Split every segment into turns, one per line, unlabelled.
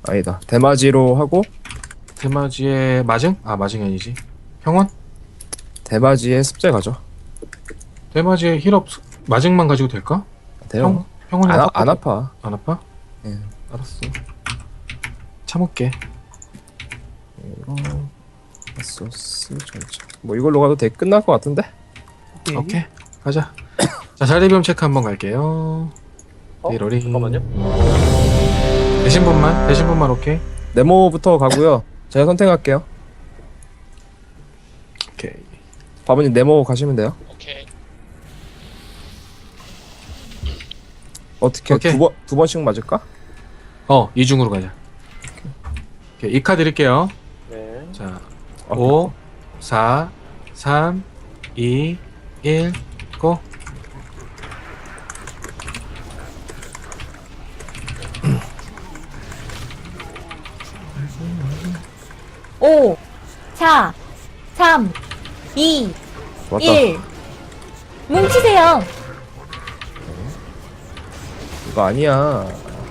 아니다. 대마지로 하고
대마지의 마징? 아 마징이 아니지. 평원?
대마지에 습제 가죠.
대마지의 힐업 마징만 가지고 될까?
돼요.
평원이
안 아파.
안 아파?
예.
알았어. 참을게.
이거 소스 전체. 뭐 이걸로 가도 돼. 끝날 것 같은데?
오케이 가자. 자 자리비움 체크 한번 갈게요. 이러리.
잠깐만요.
되신 분만 오케이.
네모부터 가고요. 제가 선택할게요.
오케이.
바보님 네모 가시면 돼요.
오케이.
어떻게
오케이.
두 번씩 맞을까?
이중으로 가자. 오케이 이 카드 드릴게요.
네.
자 5 4 3 2 1 고.
오, 4, 3, 2,
맞다.
1. 뭉치세요.
이거 아니야.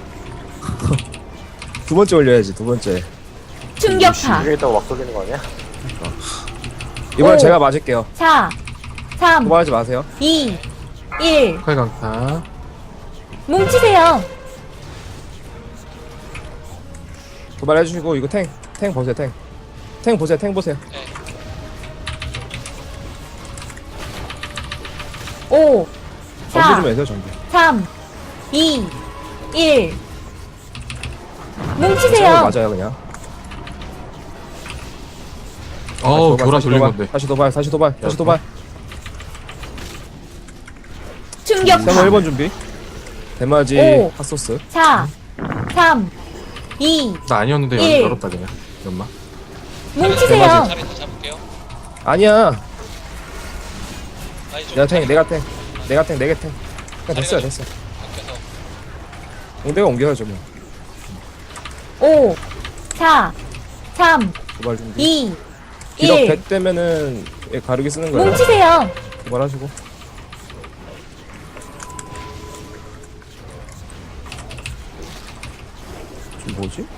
두 번째 올려야지. 두 번째.
충격파.
여기 있다고 막 쏘기는 거 아니야?
이번엔
오.
제가 맞을게요.
4, 3,
도발하지 마세요.
2, 1.
칼강타.
뭉치세요.
도발해주시고 이거 탱 보세요. 탱 보세요.
5,
전부
4,
좀 해세요. 전부.
3, 2, 1.
탱을
뭉치세요.
맞아요 그냥.
돌아 돌린 건데.
다시 도발.
충격파.
세모 1번 준비. 대마지
오.
핫소스.
4, 3, 2.
나 아니었는데
일.
열었다 그냥. 연마.
뭉치세요.
대마지.
자리 잡을게요.
아니야.
아니 좀
내가 탱. 내게 탱. 그냥 됐어요.
바뀌어서.
내가 옮겨야죠 뭐.
5, 4, 3,
도발 준비.
2,
기력
1.
100 되면은 얘 가르기 쓰는 거예요.
뭉치세요.
도발하시고. 지금 뭐지?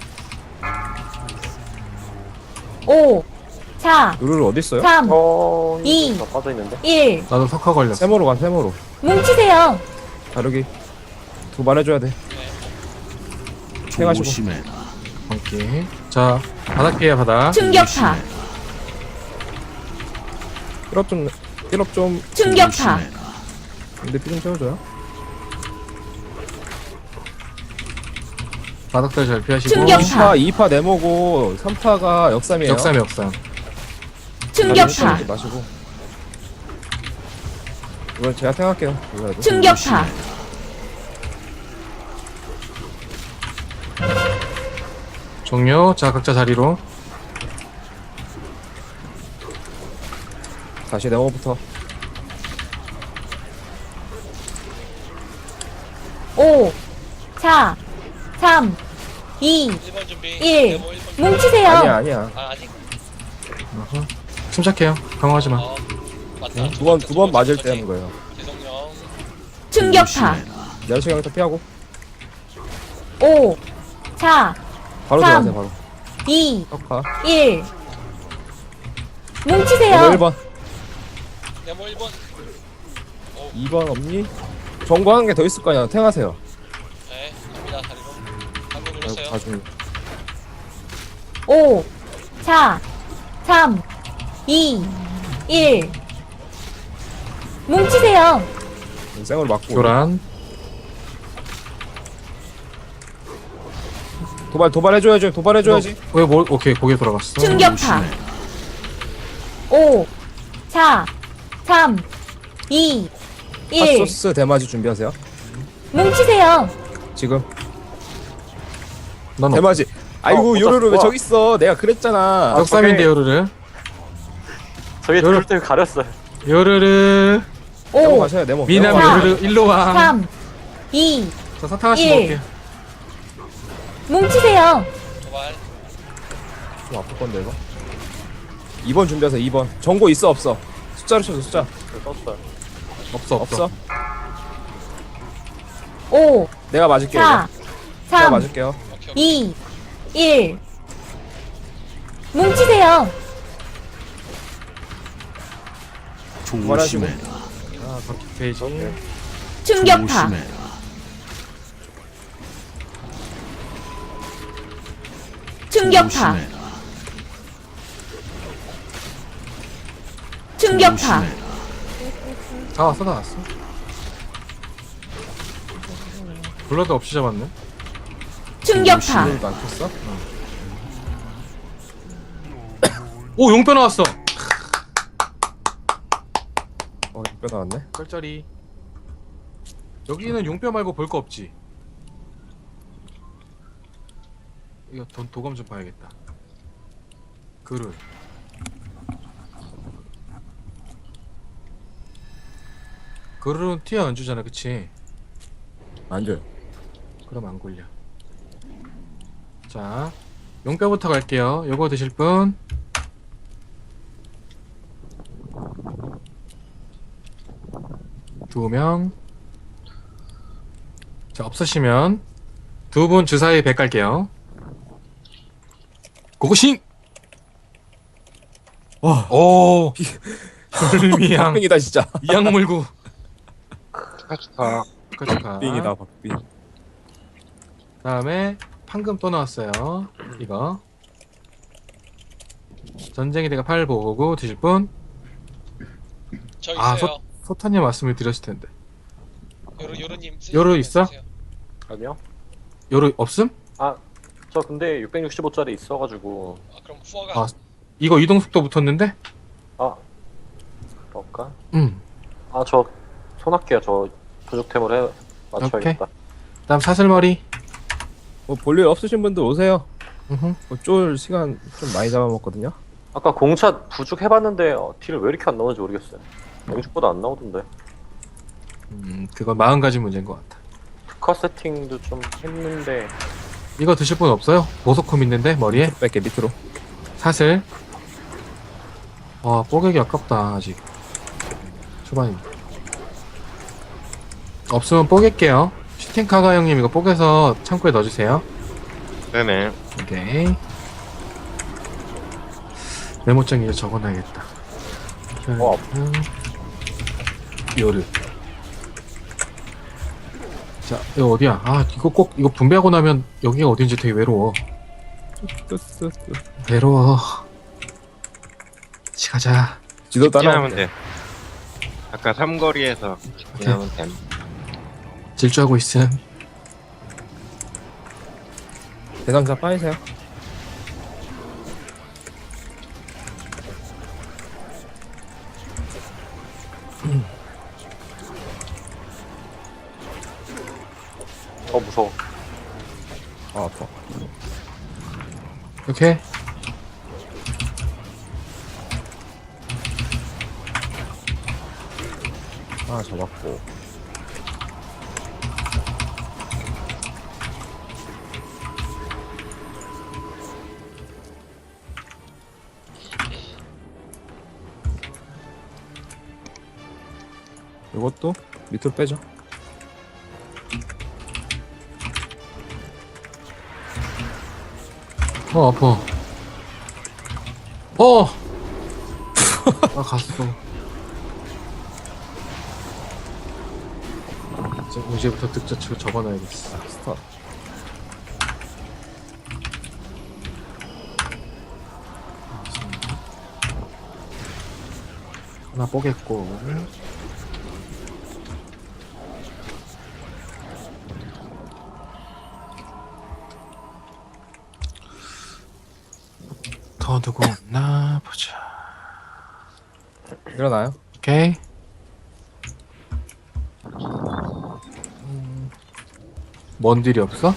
5, 4,
루ル어디 있어요?
3,
이
이.
더 빠져 있는데.
1.
나도 석화 걸렸어.
세모로 가. 세모로.
뭉치세요.
가르기. 도발해줘야 돼. 생하시고.
오케이. 자 바닥 피해 바닥.
충격파.
힐업 좀.
충격파.
근데 피 좀 채워줘요.
바닥들 잘 피하시고.
충격파.
2파 네모고 3파가 역삼이에요.
역삼.
충격파.
마시고. 이건 제가 생각할게요. 이거라도.
충격파.
종료. 자 각자 자리로.
다시 네모부터.
5, 4, 3, 2,
1번 준비.
1.
네모 1번.
뭉치세요.
아니야.
아 아직.
침착해요. 강화하지 마.
맞다.
두 번 맞을 때 하는 거예요.
죄송해요.
충격파.
내려치기 더 피하고.
5, 4,
바로
삼.
들어가세요, 바로.
2,
석화.
1.
네모
뭉치세요.
1번.
네모 1번.
2번 없니? 정보 한 개 더 있을 거 아니야. 탱하세요.
네. 갑니다 다리로. 방금
아이고,
눌렀어요.
나중에.
5, 4, 3, 2, 1. 뭉치세요.
생으로 맞고.
교란.
도발해줘야지.
오케이 고개 돌아갔어.
충격파. 5, 4, 3, 2, 1.
핫소스 대마지 준비하세요.
뭉치세요.
지금.
넌
대마지. 아이고, 요루루 왜 저기 있어? 내가 그랬잖아.
역삼인데 요르르.
저기
여러-
둘 때문에 가렸어요.
요르르.
네모
5,
가셔야 네모.
미남
사.
요르르 일로 와.
3, 2.
자 사탕 하나씩
일.
먹을게.
뭉치세요.
도발.
좀 아플 건데 이거. 2번 준비하세요. 2번. 정보 있어 없어? 숫자로 쳐줘 숫자.
이거 떴어요.
없어.
5,
내가 맞을게요.
4,
이거. 내가
3,
맞을게요.
오케이.
2, 1. 뭉치세요.
조심해.
아 바퀴 페이지.
충격파. 충격파. 충격파.
다 왔어 다 왔어. 블러드 없이 잡았네.
충격파.
신호도 안 켰어?
오 용뼈 나왔어.
뼈 나왔네.
쩔쩔이. 여기는 용뼈 말고 볼 거 없지. 이거 도감 좀 봐야겠다. 그릇. 그릇은 티어 안 주잖아, 그치?
안 줘요.
그럼 안 굴려. 자, 용뼈부터 갈게요. 요거 드실 분? 두 명. 자, 없으시면 두 분 주사위 100 갈게요. 고고싱!
와,
오! 불미양.
빙이다 진짜.
이양 물고.
축하.
축하.
빙이다 박빙.
다음에 판금 또 나왔어요. 이거. 전쟁의 대가 8 보고 드실 분?
저
아,
있어요.
소타님 말씀을 드렸을 텐데.
요루님.
요루 있어?
아니요.
요로 없음?
저 근데 665짜리 있어가지고.
그럼 후어가
아, 이거 이동 속도 붙었는데?
그럴까?
저
손할게요. 저 부족템을 맞춰야겠다.
다음 사슬머리.
뭐 볼일 없으신 분들 오세요.
음흠.
쫄 시간 좀 많이 잡아먹거든요.
아까 공차 부족 해봤는데 딜을 왜 이렇게 안 나오는지 모르겠어요. 영축보다 안 나오던데.
그건 마음가짐 문제인 것 같아.
특화 세팅도 좀 했는데.
이거 드실 분 없어요? 보석콤 있는데 머리에?
뺄게 밑으로.
사슬. 와, 뽀개기 아깝다 아직. 초반입니다. 없으면 뽀갤게요. 슈팅카가 형님 이거 뽀개서 창고에 넣어주세요.
네네.
오케이. 메모장에 이제 적어놔야겠다. 요르. 자, 이거 어디야? 아, 이거 꼭 이거 분배하고 나면 여기가 어딘지 되게 외로워. 외로워. 같이 가자.
지도
직진하면
따라오면
돼. 아까 삼거리에서 직진하면 됨.
질주하고 있음.
대상자 빠이세요.
무서워.
아 아파.
오케이.
아 잡았고. 이것도 밑으로 빼죠.
아파. 아, 갔어. 이제부터 득자치고 적어놔야겠어.
스타.
하나 뽀겠고. 더 누구 없나 보자.
일어나요.
오케이. 뭔 딜이 없어?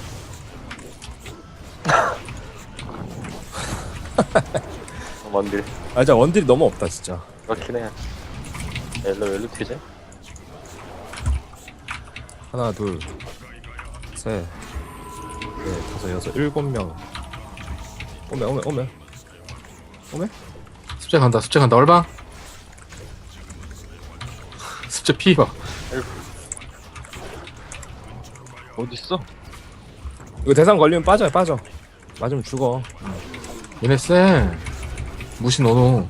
원딜.
아 진짜 원딜이 너무 없다 진짜.
그렇긴 해. 왜 튀지?
하나 둘 셋 넷 다섯 여섯 7명. 오메.
습제 간다. 얼방. 습제 피봐.
어딨어?
이거 대상 걸리면 빠져. 맞으면 죽어.
얘네 쎄. 무시 너노.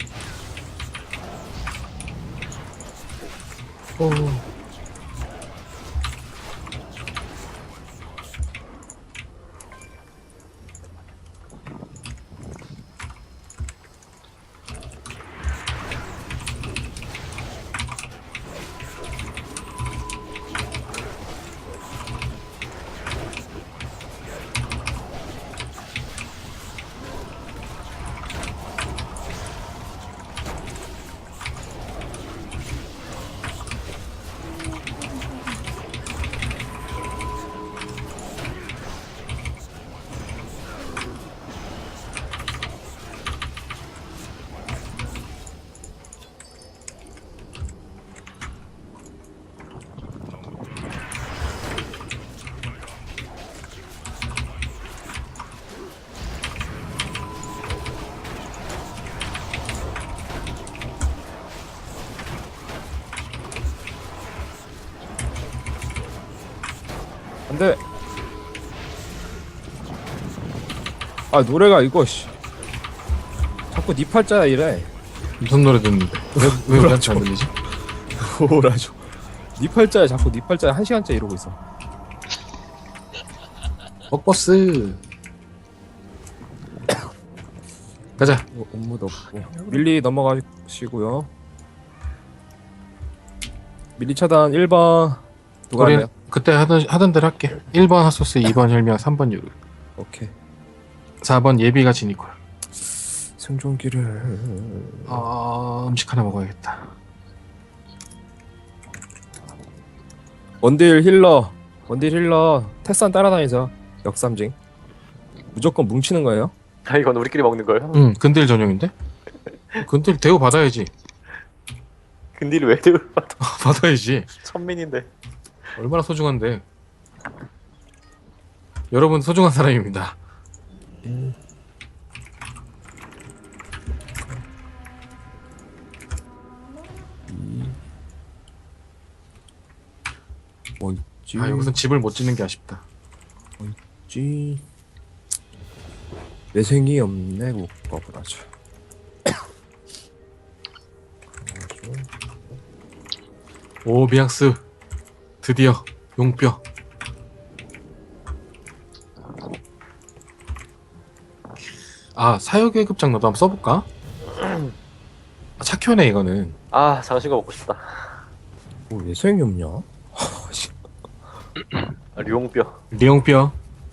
오.
안돼. 아 노래가 이거 씨. 자꾸 니 팔자야 이래.
무슨 노래 듣는데? 왜 우리한테 안 들리지?
뭐라죠? 니 팔자야 자꾸 니 팔자야 1시간째 이러고 있어.
뻑버스. 가자.
뭐, 업무도 없고. 밀리 넘어가시고요. 밀리 차단 1번 누가
우리
하나요?
그때 하던 대로 할게. 1번 핫소스, 2번 혈미야, 3번 유르,
오케이.
4번 예비가 지니콜.
생존기를
음식 하나 먹어야겠다.
원딜 힐러 테산 따라다니자. 역삼징 무조건 뭉치는 거예요.
아, 이건 우리끼리 먹는 거예요?
응, 근딜 전용인데? 근딜 대우 받아야지.
근딜 왜 들어?
받아야지.
천민인데.
얼마나 소중한데. 여러분 소중한 사람입니다.
뭐 있지?
아, 여기서 집을 못 짓는 게 아쉽다.
있지? 내생이 없네. 국밥을 하자.
오, 미앙스. 드디어 용뼈. 아, 사유계급장 너도 한번 써볼까? 아, 착효네 이거는.
아, 장신거 먹고 싶다.
뭐 내생이 없냐?
아, 류용뼈.
리용뼈.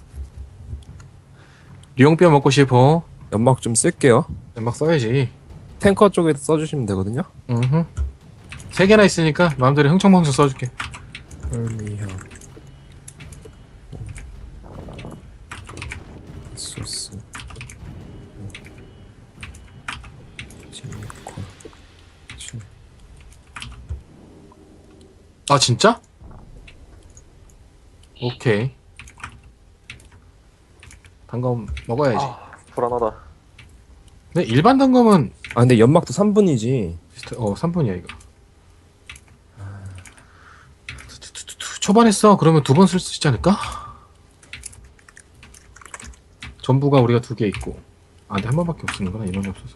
리용뼈 먹고 싶어.
연막 좀 쓸게요.
막 써야지.
탱커 쪽에 써주시면 되거든요.
응. 3개나 있으니까 마음대로 흥청망청 써줄게.
헐미향 소스 지니콜
아, 진짜? 오케이. 단검 먹어야지.
아, 불안하다.
근데 일반 단검은
아 근데 연막도 3분이지.
3분이야 이거. 초반에 써. 그러면 2번 쓸 수 있지 않을까? 전부가 우리가 2개 있고. 아, 근데 한 번밖에 못 쓰는구나. 인원이 없어서.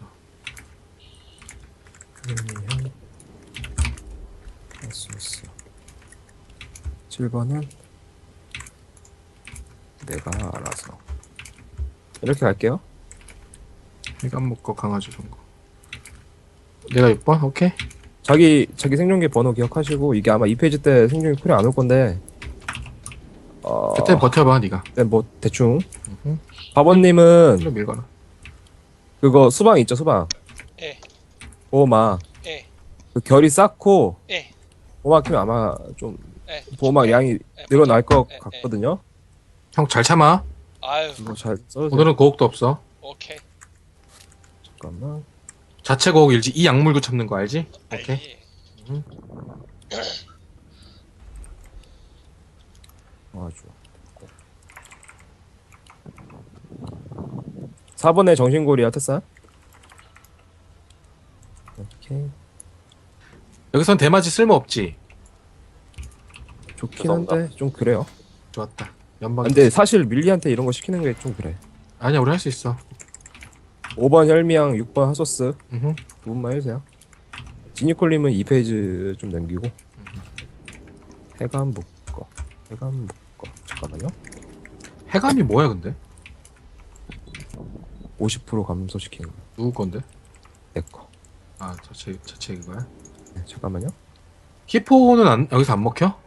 헐미향 소스 7번은 내가 알아서 이렇게 갈게요.
해감 먹고 강아지 전거. 내가 6번? 오케이.
자기 생존기 번호 기억하시고 이게 아마 2페이지 때 생존기 쿨이 안 올 건데
그때 버텨봐 네가.
네, 뭐 대충
응.
바버님은
일로 밀거나.
그거 수방 있죠 수방.
예.
보호막.
예.
그 결이 쌓고
예.
보호막 키면 아마 좀
예.
보호막 양이
예,
늘어날 것
예,
같거든요.
형 잘 참아.
아유,
이거 잘 써주세요.
오늘은 고혹도 없어.
오케이.
잠깐만.
자체 고혹 일지. 이 약물고 참는 거 알지? 오케이.
알지.
아주 4번에 정신고리야 테사. 오케이.
여기선 대마지 쓸모 없지.
좋긴
죄송합니다.
한데 좀 그래요.
좋았다. 연방.
근데 사실 밀리한테 이런 거 시키는 게 좀 그래.
아니야 우리 할 수 있어.
5번 혈미양, 6번 핫소스
으흠.
두 분만 해주세요. 지니콜님은 2페이지 좀 남기고. 해감 묶어. 해감 묶어. 잠깐만요.
해감이 뭐야 근데?
50% 감소시키는 거.
누구 건데?
내 거.
아 자체 이거야?
네, 잠깐만요.
히포는 여기서 안 먹혀?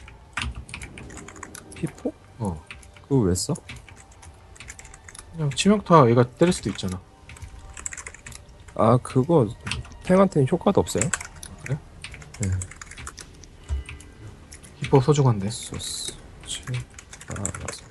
피포?
어.
그거 왜 써?
그냥 치명타 얘가 때릴 수도 있잖아.
아 그거 탱한테는 효과도 없어요.
그래?
네.
히포 소중한데.
소스. 알아서.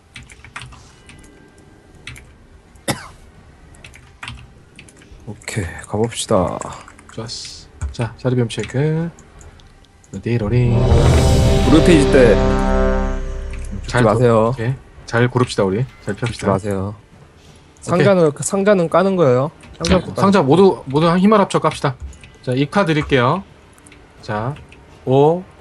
오케이 가봅시다.
좋았어. 자 자리비움 체크. 네로링.
무료 페이지 때 죽지 마세요.
오케이. 잘 고릅시다 우리. 잘
죽지
펴봅시다.
마세요. 상자는 까는 거예요.
상자 모두 힘을 합쳐 깝시다. 자, 2카 드릴게요. 자, 5,